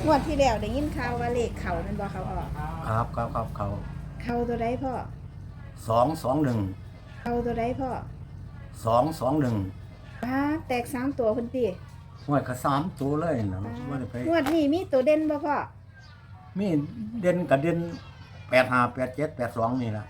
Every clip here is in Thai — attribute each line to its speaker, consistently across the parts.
Speaker 1: งวดที่แล้วได้ยินข่าวว่าเลขเขามันบ่เขาออก
Speaker 2: ครับ
Speaker 1: เขาตัวใดพ่อ
Speaker 2: 221
Speaker 1: เขาตัวใดพ่อ
Speaker 2: 221
Speaker 1: ป้าแตก3ตัวพุ่นติ
Speaker 2: หวยก็3ตัวเลยนะ
Speaker 1: ป้า
Speaker 2: บ่ได้ไป
Speaker 1: งวดนี้มีตัวเด่นบ่พ่อ
Speaker 2: มีเด่นกับเด่น85 87 82นี่ล่ะ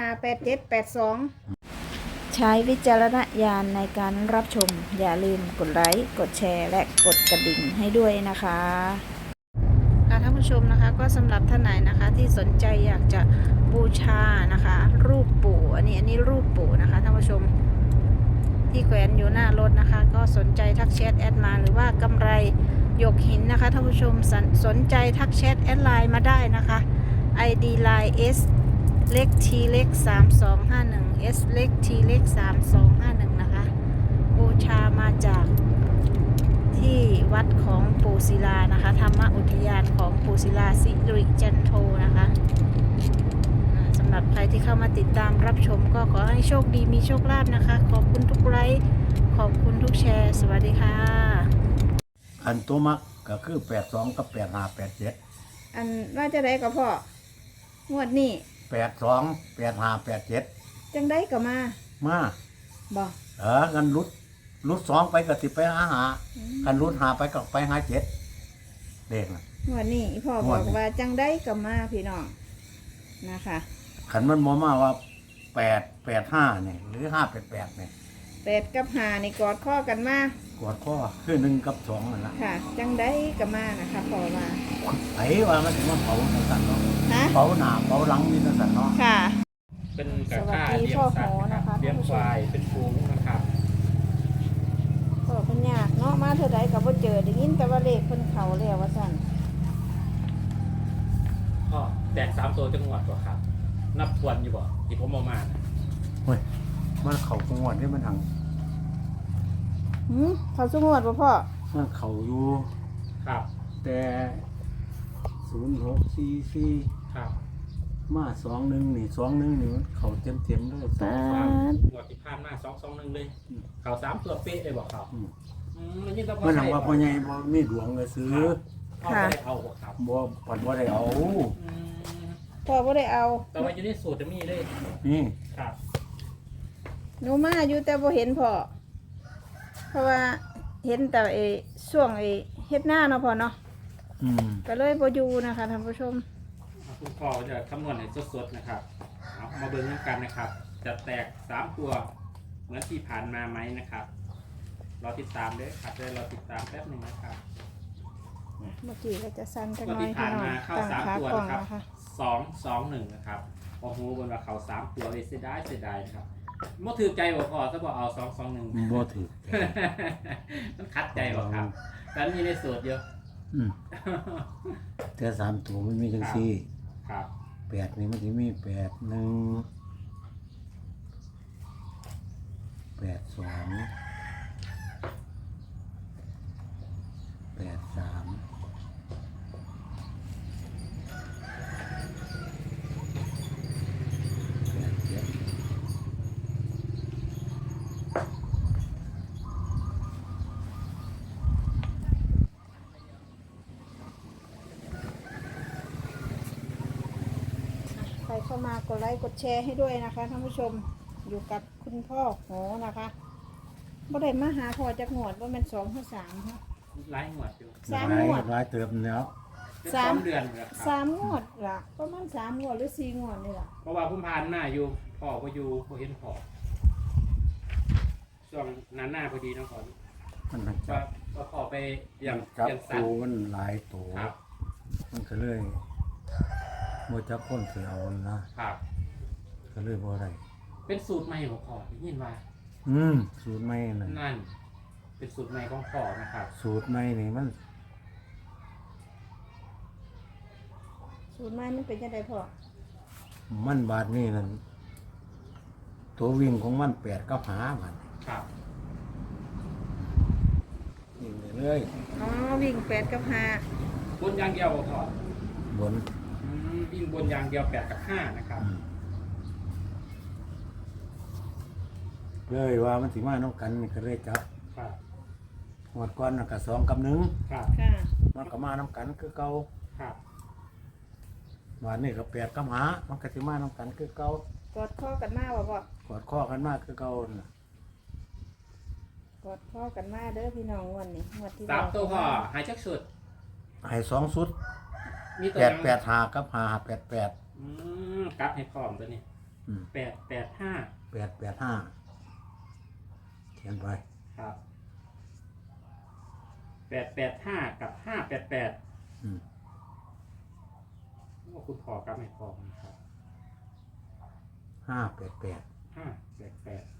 Speaker 1: 858782ใช้วิจารณญาณในการรับชมอย่าลืมกดไลค์กดแชร์และกดกระดิ่งให้ด้วยนะคะท่านผู้ชมนะคะก็สำหรับท่านไหนนะคะที่สนใจอยากจะบูชานะคะรูปปู่อันนี้รูปปู่นะคะท่านผู้ชมที่แขวนอยู่หน้ารถนะคะก็สนใจทักแชทแอดมาหรือว่ากำไรหยกหินนะคะท่านผู้ชมสนใจทักแชทแอดไลน์มาได้นะคะ ID line S เล็ก T เล็ก3251 S เล็ก T เล็ก3251นะคะบูชามาจากที่วัดของปู่ศิลานะคะธรรมอุทยานของปู่ศิลาสิริจันโทนะคะสำหรับใครที่เข้ามาติดตามรับชมก็ขอให้โชคดีมีโชคลาภนะคะขอบคุณทุกไลค์ขอบคุณทุกแชร์สวัสดีค่ะ
Speaker 2: อันตัวมักก็คือ82กับ85 87
Speaker 1: อันว่าจะได้กับพ่องวดนี้
Speaker 2: 82 85 87
Speaker 1: จังได้กับมาบ่
Speaker 2: กันรุด2ไปก็สิไปหากันรุด5ไปก็ไปหา7เด็กน่ะ
Speaker 1: งวดนี้พ่อบอกว่าจังได้กับมาพี่น้องนะคะ
Speaker 2: คันมันบ่มาว่า885นี่หรือ588นี่
Speaker 1: 8กับ5นี่กอดข้อกันมาก
Speaker 2: อดข้อคือ1กับ2นั่นล่ะ
Speaker 1: ค่ะจังได้กับมานะคะพ่อว่า
Speaker 2: ไผว่ามันสิมาเผาจังซั่นเนาะ
Speaker 1: ฮะ
Speaker 2: เผาหน้าเผาหลังนี่จังซั่นเนาะ
Speaker 1: ค่ะ
Speaker 3: เป็นกระค่าเลี้ยงสัตว์นะครับเลี้ยงควายเป็นฟูงนะครับ
Speaker 1: พ่อเพิ่นยากเนาะมาเท่าใดก็บ่เจอได้ยินแต่ว่าเลขเพิ่นเข้าแล้วว่าซั่น
Speaker 3: ก็แตก3ตัวจังหวัดบ่ครับนับทวนอยู่บ่ที่ผมเอามานะ
Speaker 2: เฮ้ยมันเข้าจังหวัดนี่มันหัง
Speaker 1: เขาสงวดบ่พ่อ
Speaker 2: มันเข้าอยู่
Speaker 3: ครับ
Speaker 2: แต่0644
Speaker 3: ครับ
Speaker 2: มา21นี่21นี่มันเข้าเต็มๆเลย
Speaker 1: ป๊าด
Speaker 3: งวดที่ผ่านมา221เลยเขา3ตัวเป๊ะเลยบ่ครับนี่ต้อง
Speaker 2: มันหังว่าพ่อใหญ่บ่มีดวงเลยซื้อ
Speaker 3: พ่อบ่ได้เอาบ่ครับ
Speaker 2: บ่ปัดบ่ได้เอา
Speaker 1: พ่อบ่ได้เอา
Speaker 3: แต่ว่าอยู่ในสูตรจะมีเลย
Speaker 2: นี่
Speaker 3: ครับ
Speaker 1: หนูมาอยู่แต่บ่เห็นพ่อเพราะว่าเห็นแต่ช่วงเฮ็ดหน้าเนาะพ่อเนาะก็เลยบ่อยู่นะคะท่านผู้ชม
Speaker 3: คุณพ่อจะคำนวณให้สดๆนะครับเอามาเบิ่งกันนะครับจะแตก3ตัวเหมือนที่ผ่านมาไหมนะครับรอติดตามด้วยครับรอติดตามแป๊บนึงนะครับ
Speaker 1: เมื่อกี้ก็จะสั้นจังน้อย
Speaker 3: ที่ผ่านมาเข้า3ตัวนะครับ221นะครับโอ้โหบนว่าเขา3ตัวเลยเสียดายนะครับบ่ถือใจบ่พอถ้าบอกเอา221
Speaker 2: บ่ถือ
Speaker 3: มันคัดใจบ่ครับแต่มีในสูตรเยอะ
Speaker 2: แต่3ตัวมันมีจังซี่
Speaker 3: ครับ
Speaker 2: 8นี่มันสิมี81 82 83
Speaker 1: ใครเข้ามากดไลค์กดแชร์ให้ด้วยนะคะท่านผู้ชมอยู่กับคุณพ่อโหนะคะบ่ได้มาหาพ่อจักงวดว่ามัน2หรือ3ฮะ
Speaker 3: หลายงวดอยู่
Speaker 1: 3งวด
Speaker 2: หลายเติมแล้ว
Speaker 3: 3 เดือนครับ
Speaker 1: 3งวดล่ะประมาณ3งวดหรือ4งวดนี่ล่ะ
Speaker 3: เพราะว่าผมผ่านหน้าอยู่พ่อก็อยู่บ่เห็นพ่อช่วงนั้นหน้าพอดีน้องขอ
Speaker 2: มัน
Speaker 3: จะพ่อไปอย่าง
Speaker 2: สัตว์มันหลายตัวมันก็เลยบ่จักคนสิเอานะครับก็เลยบ่ได้
Speaker 3: เป็นสูตรใหม่ของพ่อได้ยินว่า
Speaker 2: สูตรใหม่
Speaker 3: นั่นเป็นสูตรใหม่ของพ่อนะครับ
Speaker 2: สูตรใหม่นี่มัน
Speaker 1: สูตรใหม่มันเป็นจังได๋พ่อ
Speaker 2: มันบาดนี้นั่นตัววิ่งของมัน8กับ5บัด
Speaker 3: ครับ
Speaker 2: วิ่งเลย
Speaker 1: วิ่ง8กับ5
Speaker 3: บนอย่างเดียวบ่พ่
Speaker 2: บน
Speaker 3: วิ่งบนอย่างเดียว8กับ5นะครับ
Speaker 2: เลยว่ามันสิมาน้องกันก็เลยจับงวดก่อนน่ะก็2 กับ 1
Speaker 3: ครับ
Speaker 1: ค่ะ
Speaker 2: มันก็มานํกันคือเก่า
Speaker 3: ครับ
Speaker 2: วันนี้ก็8 กับ 5มันก็สิมานํกันคือเก่าก
Speaker 1: อดข้อกันมาบ่พ่อก
Speaker 2: อดข้อกันมาคือเก่าน่ะ
Speaker 1: กอดข้อกันมาเด้อพี่น้องงวันนี้งวดที่
Speaker 3: สามตัวพ่อหายจักสุด
Speaker 2: ให้2ชุด
Speaker 3: มีตัวยัง
Speaker 2: 885กับ588
Speaker 3: กลับให้พร้อมตัวนี้
Speaker 2: อืม
Speaker 3: 885
Speaker 2: 885เขียนไป
Speaker 3: ครับ885กับ588
Speaker 2: อืม
Speaker 3: ว่าคุณพ่อกลับให้พร้อมนะครับ
Speaker 2: 588
Speaker 3: 588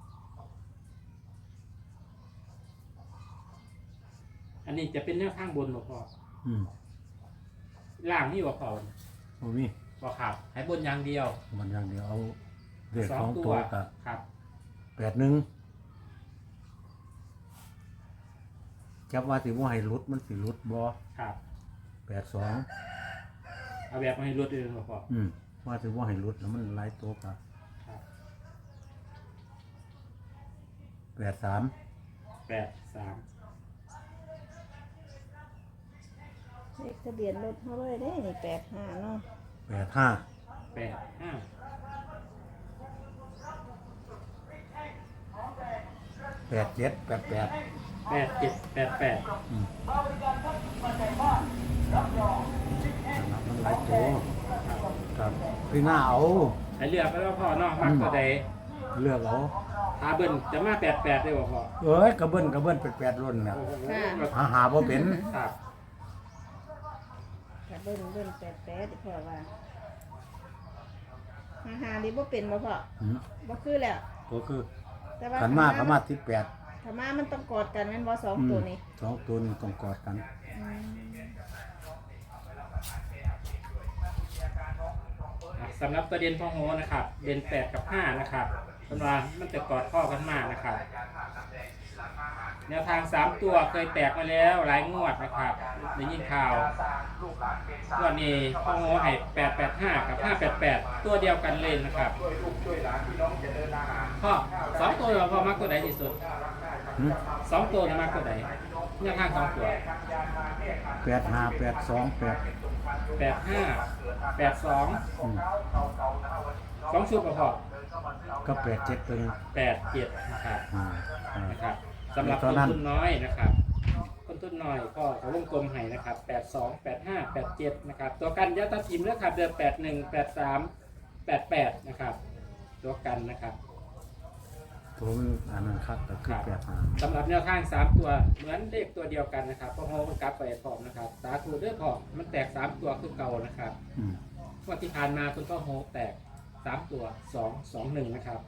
Speaker 3: อันนี้จะเป็นแนวข้างบนหรอพ่อ
Speaker 2: อืม
Speaker 3: ล่างนี่ว่าพ่อ
Speaker 2: บ่มี
Speaker 3: บ่ครับให้บนอย่างเดียว
Speaker 2: มันอย่างเดียวเอาเลข
Speaker 3: สอ
Speaker 2: สอง ง
Speaker 3: ตั
Speaker 2: ตัว วกับ
Speaker 3: ครับ
Speaker 2: 81จับว่าสิบ่ให้หลุดมันสิหลุดบ่
Speaker 3: ครับ
Speaker 2: 82
Speaker 3: เอาแบบมาให้รวดเร็วหรอพ่อ
Speaker 2: ว่าสิบ่ให้หลุดแล้วมันหลายตัวกับ
Speaker 3: ครับ
Speaker 2: 83
Speaker 3: 83
Speaker 1: เลขทะเบียนรถเขาเลยได้นี่85เนาะ
Speaker 2: 85 87 88
Speaker 3: 8788
Speaker 2: มันหลายตัวครับพี่หน้าเอา
Speaker 3: ให้เลือกไปแล้วพ่อเนาะมักตัวใด
Speaker 2: เลือกเอา
Speaker 3: ถ้าเบิ้ลจะมา88ได้บ่พ่อ
Speaker 2: เอ้ยกระเบิ้น88รุ่นน่ะ
Speaker 3: โอ้โห
Speaker 2: หาบ่เป็น
Speaker 3: ครับ
Speaker 1: กะเบิ้น88พ่อว่าหาๆนี่บ่เป็นบ่พ่อ
Speaker 2: อืม
Speaker 1: บ่คือแล้ว
Speaker 2: ก็คือ
Speaker 1: แต่ว่า
Speaker 2: ขันมาก็มา18
Speaker 1: ถ้ามามันต้องกอดกันแม่นบ่สองตัวนี้
Speaker 2: สองตัวนี้ต้องกอดกัน
Speaker 1: อืม
Speaker 3: สำหรับตัวเด่นพ่อโหนะครับ เด่น8กับ5นะครับเป็นว่ามันจะกอดข้อกันมากนะครับ แนวทาง 3 ตัวเคยแตกมาแล้วหลายงวดนะครับได้ยินข่าวงวดนี้พ่อโหให้885กับ588ตัวเดียวกันเลยนะครับพ่อ2ตัวเราพอมักตัวไหนที่สุด
Speaker 2: หืม
Speaker 3: 2ตัวเรามักตัวไหนแนวทาง2ตัว
Speaker 2: 85 82
Speaker 3: 85 82
Speaker 2: อืม
Speaker 3: 2ชุดก็พอ
Speaker 2: ก็87ตัวนึง
Speaker 3: 87นะครับ นะครับสำหรับคนทุนน้อยนะครับคนทุนน้อยก็เขาวงกลมให้นะครับ82 85 87นะครับตัวกันยาตาทีมเลือกขับเดือน81 83 88นะครับตัวกันนะครับ
Speaker 2: ตัวมันอันนั้นคักก็คือ85
Speaker 3: สำหรับแนวข้าง3ตัวเหมือนเลขตัวเดียวกันนะครับเพราะโฮมันกลับไปพร้อมนะครับสาธุเด้อพร้อมมันแตก3ตัวคือเก่านะครับ
Speaker 2: อืม
Speaker 3: งวดที่ผ่านมาคุณก็โฮแตก3ตัว2 2 1นะครับ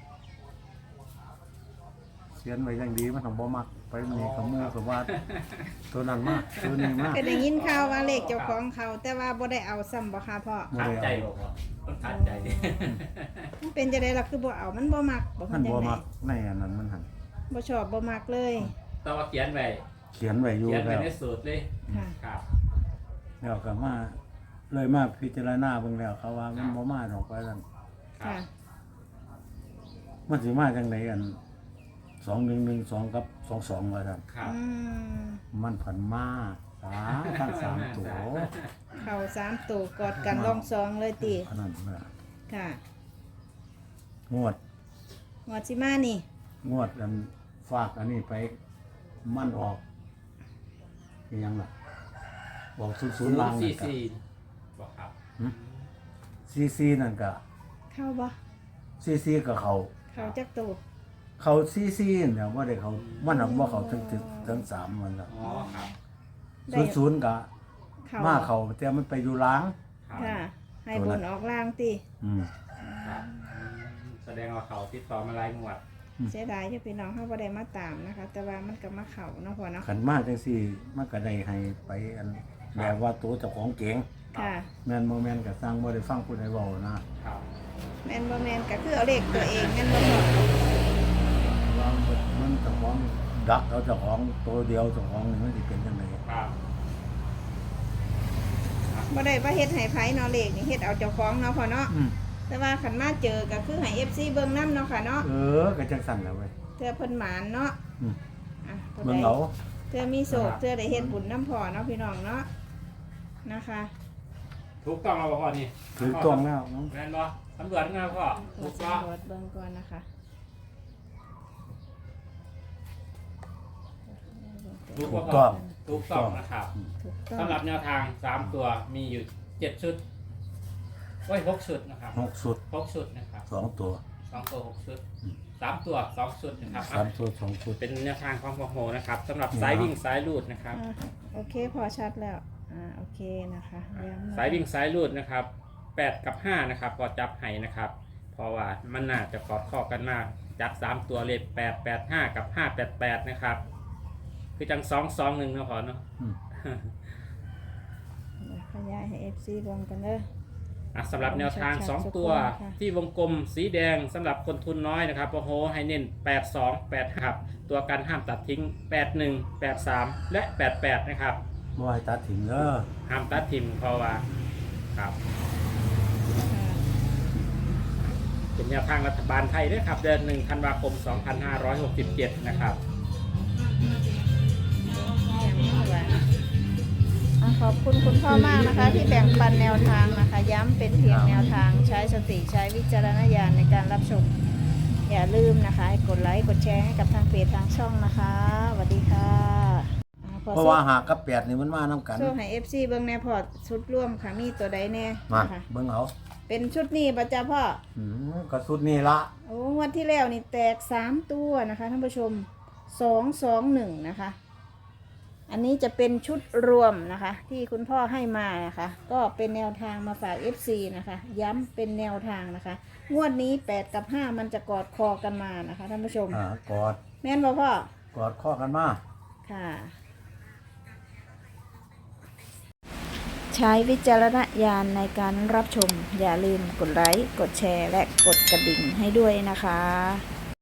Speaker 2: เขียนไว้อย่างดีมันต้องบ่มักไปมีขโมยกับว่าตัวนั้นมากตัวนี้มาก
Speaker 1: ก็ได้ยินข่าวว่าเลขเจ้าของเขาแต่ว่าบ่ได้เอาซ้ำบ่ค่ะพ่อ
Speaker 2: บ่ได้
Speaker 3: ใจ
Speaker 2: เอา
Speaker 3: บอกว่ามันขาดใจ
Speaker 1: มันเป็นจังได๋ล่ะคือบ่เอามันบ่มักบ่
Speaker 2: มัน
Speaker 1: จัง
Speaker 2: บ่
Speaker 1: ได๋
Speaker 2: มักในอันนั้นมันหัน
Speaker 1: บ่ชอบบ่มักเลย
Speaker 3: ต้องมาเขียนไว้
Speaker 2: เขียนไว้อยู่
Speaker 3: เขียนไว้
Speaker 2: แล้ว
Speaker 3: ในสูตรเลย
Speaker 1: ค่ะ
Speaker 3: ครับ
Speaker 2: แล้วก็มาเลยมาพิจารณาเบิ่งแล้วเขาว่ามันบ่มาดอกว่าซั่น
Speaker 3: ครั
Speaker 1: ค่ะ
Speaker 3: บ
Speaker 2: มันสิมาจังได๋อัน2112กับ22ว่าซั่น
Speaker 3: ครับ
Speaker 1: อืม
Speaker 2: มันผันมาทั้ง3ตัว
Speaker 1: เข้า3ตัวกอดกันรองซองเลยติ
Speaker 2: อันนั้นแหละ
Speaker 1: ค่ะ
Speaker 2: งวด
Speaker 1: งวดสิมานี่
Speaker 2: งวดอันฝากอันนี้ไปมันออกอีหยังล่ะบอก00ล้านนั่นก็
Speaker 3: 44บอกครับ
Speaker 2: ซีนั่นก็
Speaker 1: เข้าบ่
Speaker 2: ซีก็เขา
Speaker 1: เข้าจักตัว
Speaker 2: เขาซีเนี่ยบ่ได้เขามันน่ะบ่เขาถึง3มันล่ะ
Speaker 3: อ๋อครับ
Speaker 1: ได้
Speaker 2: 00ก็
Speaker 1: เข้า
Speaker 2: มาเขาแต่มันไปอยู่ล้าง
Speaker 3: ครับ
Speaker 1: ค่ะ ให้บนออกล่างติ
Speaker 2: อืม
Speaker 3: ครับแสดงว่าเขาติดต่อมาหลายงวด
Speaker 1: เสียดายอยู่พี่น้องเฮาบ่ได้มาตามนะคะ แต่ว่ามันก็มาเข้าเนาะพ่อเนาะ
Speaker 2: ขันมาจังซี่มันก็ได้ให้ไปอันแบบว่าตัวเจ้าของเก่ง
Speaker 1: ค่ะ
Speaker 2: แม่นบ่แม่นก็สร้างบ่ได้ฟังผู้ใดเว้านะครับ
Speaker 1: แม่นบ่แม่นก็คือเอาเลขตัวเองแม่นบ่พ่อ
Speaker 2: ว่ามันเจ้าของดักเอาเจ้าของตัวเดียวเจ้าของนี่มันสิเป็นจังได
Speaker 3: ครับ
Speaker 1: บ่ได้ว่าเฮ็ดให้ไผเนาะเลขนี่เฮ็ดเอาเจ้าของเนาะพ่อเนาะ
Speaker 2: อืม
Speaker 1: แต่ว่าคันมาเจอก็คือให้ FC เบิ่งนำเนาะค่ะเนาะ
Speaker 2: ก็จังสั่นแหละเว้ย
Speaker 1: เทื่อเพิ่นหมานเนาะ
Speaker 2: อืม
Speaker 1: อ่ะตัว
Speaker 2: เบิ่
Speaker 1: ใด
Speaker 2: งเอา
Speaker 1: เพื่อมีโศกเพื่อได้เฮ็ดบุญน้ำพอเนาะพี่น้องเนาะนะคะ
Speaker 3: ถูกต้องเราพ่อนี่
Speaker 2: ถูกต้องแล้ว
Speaker 3: แม่นบ่ตำรวจงานพ่อ
Speaker 1: ตร
Speaker 3: ถู
Speaker 1: วจ
Speaker 3: กต้อง
Speaker 1: สำรวจเบิ่งก่อนนะคะ
Speaker 3: ถูก
Speaker 2: ถู
Speaker 3: บ่
Speaker 2: ก
Speaker 3: พ่
Speaker 2: ต้
Speaker 3: อ
Speaker 2: อง
Speaker 3: ถูกต้องนะครับ
Speaker 1: ถูกต้อง
Speaker 3: สำหรับแนวทาง3ตัวมีอยู่7ชุดโอ้ย6ชุดนะครับ
Speaker 2: 6ชุด
Speaker 3: 6ชุดนะครับ
Speaker 2: 2ตัว
Speaker 3: 2ตัว6ชุด3ตัว2ชุดนะครับ
Speaker 2: 3ตัว2ชุด
Speaker 3: เป็นแนวทางของพ่อโหนะครับสำหรับสายวิ่งสายลูดนะครับ
Speaker 1: อ่ะโอเคพอชัดแล้วโอเคนะคะย้ำนะคะ
Speaker 3: สายวิ่งสายลูดนะครับ8กับ5นะครับพอจับให้นะครับ เพราะว่ามันน่าจะกอดข้อกันมากจับ3ตัวเลย8 8 5กับ5 8 8นะครับคือจัง2 2 1นะพอเนาะ
Speaker 2: อืม
Speaker 1: เดี๋ยวขยายให้ FC เบิ่งกันเด้อ
Speaker 3: สำหรับแนวทาง 2 ตัวที่วงกลมสีแดงสำหรับคนทุนน้อยนะครับโอ้โหให้เน้น8 2 8ครับตัวกันห้ามตัดทิ้ง8 1 8 3 และ88นะครับ
Speaker 2: บ่ให้ตัดทิ้งเด้อ
Speaker 3: ห้ามตัดทิมเพราะว่าครับเป็นแนวทางรัฐบาลไทยด้วยครับเดือน1 ธันวาคม 2567 นะครับ
Speaker 1: ขอบคุณคุณพ่อมากนะคะ ที่แบ่งปันแนวทางนะคะ ย้ำเป็นเพียงแนวทางใช้สติใช้วิจารณญาณในการรับชม อย่าลืมนะคะให้กดไลค์กดแชร์ให้กับทางเพจทางช่องนะคะสวัสดีค่ะพอ
Speaker 2: เพราะว่าหากกับ8นี่มันมานํกัน
Speaker 1: โซ่ให้ FC เบิ้งแน่พอชุดร่วมค่ะมีตัวใดแน่
Speaker 2: มา
Speaker 1: นะคะ
Speaker 2: เบิ่งเอา
Speaker 1: เป็นชุดนี้ประจ้าพ่อ
Speaker 2: ก็สุดนี่ละ
Speaker 1: โอ้งวันที่แล้วนี่แตก3ตัวนะคะท่านผู้ชม221นะคะ อันนี้จะเป็นชุดรวมนะคะ ที่คุณพ่อให้มานะคะ ก็เป็นแนวทางมาฝาก FC นะคะ ย้ำเป็นแนวทางนะคะ งวดนี้8กับ5มันจะกอดคอกันมานะคะท่านผู้ชม
Speaker 2: กอด
Speaker 1: แม่นบ่พ่อก
Speaker 2: อดข้อกันมา
Speaker 1: ค่ะ ใช้วิจารณญาณในการรับชม อย่าลืมกดไลค์กดแชร์และกดกระดิ่งให้ด้วยนะคะ